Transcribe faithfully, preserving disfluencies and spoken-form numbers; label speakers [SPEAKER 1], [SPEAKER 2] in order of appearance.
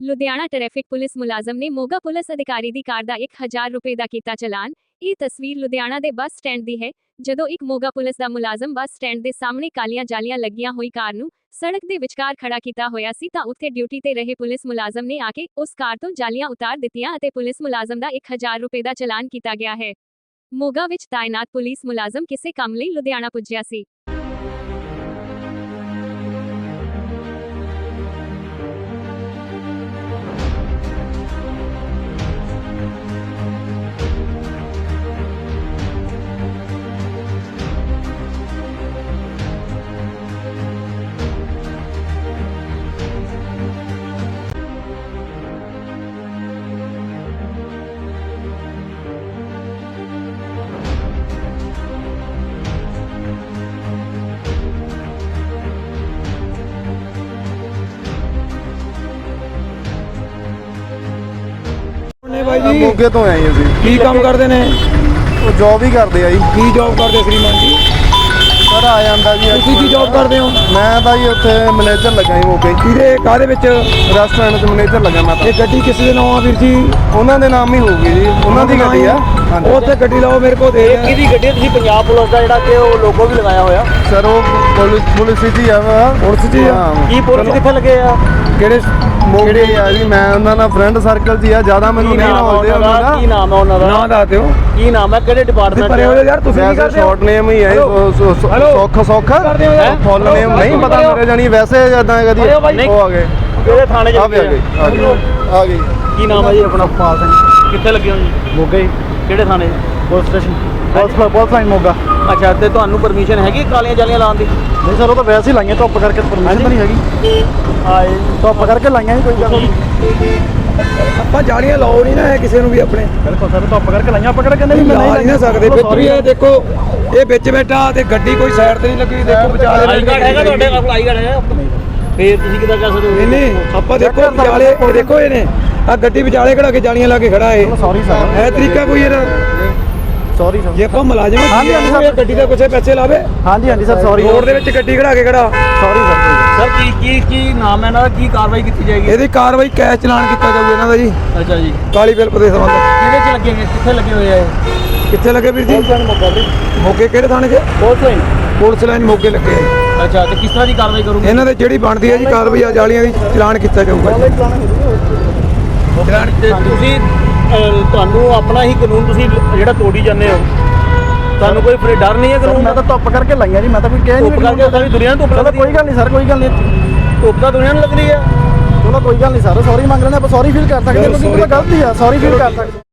[SPEAKER 1] Ludhiana traffic police ਮੁਲਾਜ਼ਮ ਨੇ Moga police ਅਧਿਕਾਰੀ ਦੀ ਕਾਰ ਦਾ ਇੱਕ ਹਜ਼ਾਰ ਰੁਪਏ ਦਾ ਕੀਤਾ ਚਲਾਨ। ਇਹ ਤਸਵੀਰ ਲੁਧਿਆਣਾ ਦੇ ਬੱਸ ਸਟੈਂਡ ਦੀ ਹੈ, ਜਦੋਂ ਇੱਕ ਮੋਗਾ ਪੁਲਿਸ ਦਾ ਮੁਲਾਜ਼ਮ ਬੱਸ ਸਟੈਂਡ ਦੇ ਸਾਹਮਣੇ ਕਾਲੀਆਂ ਜਾਲੀਆਂ ਲੱਗੀਆਂ ਹੋਈ ਕਾਰ ਨੂੰ ਸੜਕ ਦੇ ਵਿਚਕਾਰ ਖੜਾ ਕੀਤਾ ਹੋਇਆ ਸੀ ਤਾਂ ਉੱਥੇ ਡਿਊਟੀ ਤੇ ਰਹੇ ਪੁਲਿਸ ਮੁਲਾਜ਼ਮ ਨੇ ਆ ਕੇ ਉਸ ਕਾਰ ਤੋਂ ਜਾਲੀਆਂ ਉਤਾਰ ਦਿੱਤੀਆਂ ਅਤੇ ਪੁਲਿਸ ਮੁਲਾਜ਼ਮ ਦਾ ਇੱਕ ਹਜ਼ਾਰ ਰੁਪਏ ਦਾ ਚਲਾਨ ਕੀਤਾ ਗਿਆ ਹੈ। ਮੋਗਾ ਵਿੱਚ ਤਾਇਨਾਤ ਪੁਲਿਸ ਮੁਲਾਜ਼ਮ ਕਿਸੇ ਕੰਮ ਲਈ ਲੁਧਿਆਣਾ ਪੁੱਜਿਆ ਸੀ।
[SPEAKER 2] ਨੇ ਬਾਈ ਜੀ
[SPEAKER 3] ਮੋਗੇ ਤੋਂ ਆਏ ਅਸੀਂ।
[SPEAKER 2] ਕੀ ਕੰਮ ਕਰਦੇ ਨੇ?
[SPEAKER 3] ਉਹ ਜੌਬ ਹੀ ਕਰਦੇ ਆ ਜੀ।
[SPEAKER 2] ਕੀ ਜੌਬ ਕਰਦੇ ਸ਼੍ਰੀਮਾਨ ਜੀ?
[SPEAKER 3] ਸਰ ਆ ਜਾਂਦਾ ਜੀ।
[SPEAKER 2] ਤੁਸੀਂ ਕੀ ਜੌਬ ਕਰਦੇ ਹੋ?
[SPEAKER 3] ਮੈਂ ਤਾਂ ਜੀ ਉੱਥੇ ਮੈਨੇਜਰ ਲੱਗਾ ਜੀ ਮੋਗੇ।
[SPEAKER 2] ਕਿਹਦੇ ਕਾਹਦੇ ਵਿੱਚ?
[SPEAKER 3] ਰੈਸਟੋਰੈਂਟ 'ਚ ਮੈਨੇਜਰ ਲੱਗਾ ਮੈਂ ਤਾਂ।
[SPEAKER 2] ਇਹ ਗੱਡੀ ਕਿਸ ਦੇ ਨਾਮ ਆ ਵੀਰ ਜੀ?
[SPEAKER 3] ਉਹਨਾਂ ਦੇ ਨਾਮ ਹੀ ਹੋਊਗੀ ਜੀ, ਉਹਨਾਂ ਦੀ ਗੱਡੀ ਆ।
[SPEAKER 2] ਉਹ ਉੱਥੇ ਗੱਡੀ ਲਾਓ ਮੇਰੇ ਕੋਲ ਦੇ।
[SPEAKER 4] ਕਿਹਦੀ ਗੱਡੀ? ਤੁਸੀਂ ਪੰਜਾਬ ਪੁਲਿਸ ਦਾ ਜਿਹੜਾ ਕਿ ਉਹ ਲੋਗੋ ਵੀ ਲਗਾਇਆ ਹੋਇਆ।
[SPEAKER 3] ਸਰ ਉਹ ਪੁਲਿਸ ਪੁਲਿਸ ਵਿੱਚ ਹੀ ਆ ਵਾ।
[SPEAKER 2] ਪੁਲਿਸ 'ਚ ਹੀ ਆ?
[SPEAKER 4] ਕੀ ਪੁਲਿਸ ਕਿੱਥੇ ਲੱਗੇ ਆ?
[SPEAKER 2] ਕਿਹੜੇ
[SPEAKER 3] ਮੋਗੇ ਆ ਜੀ। ਮੈਂ ਉਹਨਾਂ ਨਾਲ ਫਰੈਂਡ ਸਰਕਲ 'ਚ ਹੀ ਆ, ਜ਼ਿਆਦਾ ਮੈਨੂੰ ਨਹੀਂ ਨੌਲੇਜ ਉਹਨਾਂ ਦਾ।
[SPEAKER 4] ਕੀ ਨਾਮ ਹੈ ਉਹਨਾਂ ਦਾ?
[SPEAKER 2] ਨਾਂ ਦੱਸ ਦਿਓ।
[SPEAKER 4] ਕੀ ਨਾਮ ਹੈ? ਕਿਹੜੇ ਡਿਪਾਰਟਮੈਂਟ
[SPEAKER 2] ਪਰੇ ਹੋ ਯਾਰ, ਤੁਸੀਂ ਕੀ ਕਰਦੇ ਹੋ?
[SPEAKER 3] ਸ਼ਾਰਟ ਨੇਮ ਹੀ ਹੈ ਸੌਖ ਸੌਖ।
[SPEAKER 2] ਕਰਦੇ ਹੋ ਯਾਰ?
[SPEAKER 3] ਫੁੱਲ ਨੇਮ ਨਹੀਂ ਪਤਾ ਮੇਰੇ ਜਾਨੀ, ਵੈਸੇ ਜਦਾਂ ਕਦੀ ਉਹ ਆ ਗਏ।
[SPEAKER 4] ਕਿਹੜੇ ਥਾਣੇ 'ਚ
[SPEAKER 3] ਆ ਵੀ ਆ ਗਏ ਆ ਗਏ ਆ ਗਏ।
[SPEAKER 4] ਕੀ ਨਾਮ ਹੈ ਜੀ ਆਪਣਾ? ਪਾਲ ਸਿੰਘ। ਕਿੱਥੇ ਲੱਗੇ ਹੋ ਜੀ?
[SPEAKER 3] ਮੋਗੇ
[SPEAKER 4] ਕਿਹੜੇ ਥਾਣੇ?
[SPEAKER 3] Police station police police line Moga.
[SPEAKER 4] ਅੱਛਾ, ਤੇ ਤੁਹਾਨੂੰ ਪਰਮਿਸ਼ਨ ਹੈਗੀ ਕਾਲੀਆਂ ਜਾਲੀਆਂ ਲਾਉਣ ਦੀ?
[SPEAKER 3] ਨਹੀਂ ਸਰ, ਉਹ ਤਾਂ ਵੈਸੇ ਹੀ ਲਾਈਆਂ, ਧੁੱਪ ਕਰਕੇ ਪਰਮਿਸ਼ਨ ਨਹੀਂ ਹੈਗੀ।
[SPEAKER 4] ਆਏ
[SPEAKER 3] ਧੁੱਪ ਕਰਕੇ ਲਾਈਆਂ ਜੀ, ਕੋਈ ਗੱਲ ਨਹੀਂ।
[SPEAKER 2] ਆਪਾਂ ਜਾਲੀਆਂ ਲਾਓ ਨਹੀਂ ਨਾ ਇਹ ਕਿਸੇ ਨੂੰ ਵੀ ਆਪਣੇ।
[SPEAKER 3] ਬਿਲਕੁਲ ਸਰ, ਧੁੱਪ ਕਰਕੇ ਲਾਈਆਂ, ਪਕੜ ਕੇ
[SPEAKER 2] ਨਹੀਂ ਲਾ ਨਹੀਂ ਨਾ ਸਕਦੇ। ਵਿੱਚ ਵੀ ਇਹ ਦੇਖੋ, ਇਹ ਵਿੱਚ ਬੈਠਾ ਤੇ ਗੱਡੀ ਕੋਈ ਸਾਈਡ ਤੇ ਨਹੀਂ ਲੱਗੀ। ਦੇਖੋ ਵਿਚਾਲੇ
[SPEAKER 4] ਆਈ ਕਾਰਡ ਹੈਗਾ ਤੁਹਾਡੇ ਕੋਲ? ਆਈ ਕਾਰਡ ਹੈਗਾ? ਫੇਰ ਤੁਸੀਂ ਕਿੱਦਾਂ ਕਰ ਸਕਦੇ ਹੋ?
[SPEAKER 2] ਨਹੀਂ ਨਹੀਂ, ਆਪਾਂ ਦੇਖੋ ਵਿਚਾਲੇ, ਇਹ ਦੇਖੋ ਇਹਨੇ ਆ ਗੱਡੀ ਵਿਚਾਲੇ ਖੜਾ ਕੇ ਜਾਲੀਆਂ ਲਾ ਕੇ ਖੜਾ ਏ।
[SPEAKER 3] ਸੌਰੀ ਸਰ,
[SPEAKER 2] ਇਹ ਤਰੀਕਾ ਕੋਈ ਇਹਦਾ?
[SPEAKER 3] Sorry sir.
[SPEAKER 2] ਜੇ ਆਪਾਂ ਮੁਲਾਜ਼ਮ
[SPEAKER 3] ਹਾਂਜੀ, ਹਾਂਜੀ ਸਰ।
[SPEAKER 2] ਇਹ ਗੱਡੀ ਦਾ ਕੁਛ ਪੈਸੇ ਲਾਵੇ।
[SPEAKER 3] ਹਾਂਜੀ ਹਾਂਜੀ ਸਰ, ਸੌਰੀ।
[SPEAKER 2] ਰੋਡ ਦੇ ਵਿੱਚ ਗੱਡੀ ਖੜਾ ਕੇ ਖੜਾ।
[SPEAKER 3] Sorry sir.
[SPEAKER 4] ਸਰ ਕੀ ਕੀ ਕੀ ਨਾਮ ਹੈ ਇਹਨਾਂ ਦਾ? ਕੀ ਕਾਰਵਾਈ ਕੀਤੀ ਜਾਏਗੀ?
[SPEAKER 2] ਇਹਦੀ ਕਾਰਵਾਈ ਕੈਸ਼ ਚਲਾਨ ਕੀਤਾ ਜਾਊਗਾ ਇਹਨਾਂ ਦਾ ਜੀ,
[SPEAKER 4] ਅੱਛਾ ਜੀ।
[SPEAKER 2] ਕਾਲੀ ਬਿੱਲ ਦੇ ਸੰਬੰਧ।
[SPEAKER 4] ਕਿਹਦੇ 'ਚ ਲੱਗੇ? ਕਿੱਥੇ ਲੱਗੇ ਹੋਏ ਆ ਇਹ?
[SPEAKER 2] ਕਿੱਥੇ ਲੱਗੇ ਵੀਰ ਜੀ? ਮੋਗੇ ਕਿਹੜੇ ਥਾਣੇ 'ਚ?
[SPEAKER 4] Police line.
[SPEAKER 2] ਪੁਲਿਸ ਲਾਈਨ ਮੋਗੇ ਲੱਗੇ ਆ।
[SPEAKER 4] ਅੱਛਾ, ਤੇ ਕਿਸ ਤਰ੍ਹਾਂ ਦੀ ਕਾਰਵਾਈ ਕਰੋਗੇ?
[SPEAKER 2] ਇਹਨਾਂ ਦੇ ਜਿਹੜੀ ਬਣਦੀ ਹੈ ਜੀ ਕਾਰਵਾਈ ਆ ਜਾਲੀਆਂ ਦੀ, ਚਲਾਨ ਕੀਤਾ ਜਾਊਗਾ ਜੀ।
[SPEAKER 4] ਚਲਾਨ ਤੇ ਤੁਸੀਂ ਅਹ, ਤੁਹਾਨੂੰ ਆਪਣਾ ਹੀ ਕਾਨੂੰਨ ਤੁਸੀਂ ਜਿਹੜਾ ਤੋੜੀ ਜਾਂਦੇ ਹੋ, ਤੁਹਾਨੂੰ ਕੋਈ ਫਿਰ ਡਰ ਨਹੀਂ ਹੈ ਕਾਨੂੰਨ
[SPEAKER 3] ਮੈਂ
[SPEAKER 4] ਦਾ?
[SPEAKER 3] ਤਾਂ ਧੁੱਪ ਕਰਕੇ ਲਾਈਆਂ ਜੀ, ਮੈਂ ਤਾਂ ਕੋਈ ਕਹਿ ਨਹੀਂ
[SPEAKER 4] ਧੁੱਪ ਕਰਕੇ ਸਾਰੀ ਦੁਨੀਆ ਨੂੰ ਧੁੱਪ
[SPEAKER 3] ਚਲੋ
[SPEAKER 4] ਲੱਗਦੀ
[SPEAKER 3] ਕੋਈ ਗੱਲ ਨਹੀਂ ਸਰ, ਕੋਈ ਗੱਲ ਨਹੀਂ।
[SPEAKER 4] ਧੁੱਪ ਤਾਂ ਦੁਨੀਆ ਨੂੰ ਲੱਗ ਰਹੀ ਹੈ।
[SPEAKER 3] ਚਲੋ ਕੋਈ ਗੱਲ ਨਹੀਂ ਸਰ, ਸੌਰੀ ਮੰਗ ਲੈਂਦੇ ਆਪਾਂ, ਸੌਰੀ ਫੀਲ ਕਰ ਸਕਦੇ ਹਾਂ, ਕਿਉਂਕਿ ਉਹ ਤਾਂ ਗਲਤੀ ਆ, ਸੌਰੀ ਫੀਲ ਕਰ ਸਕਦੇ।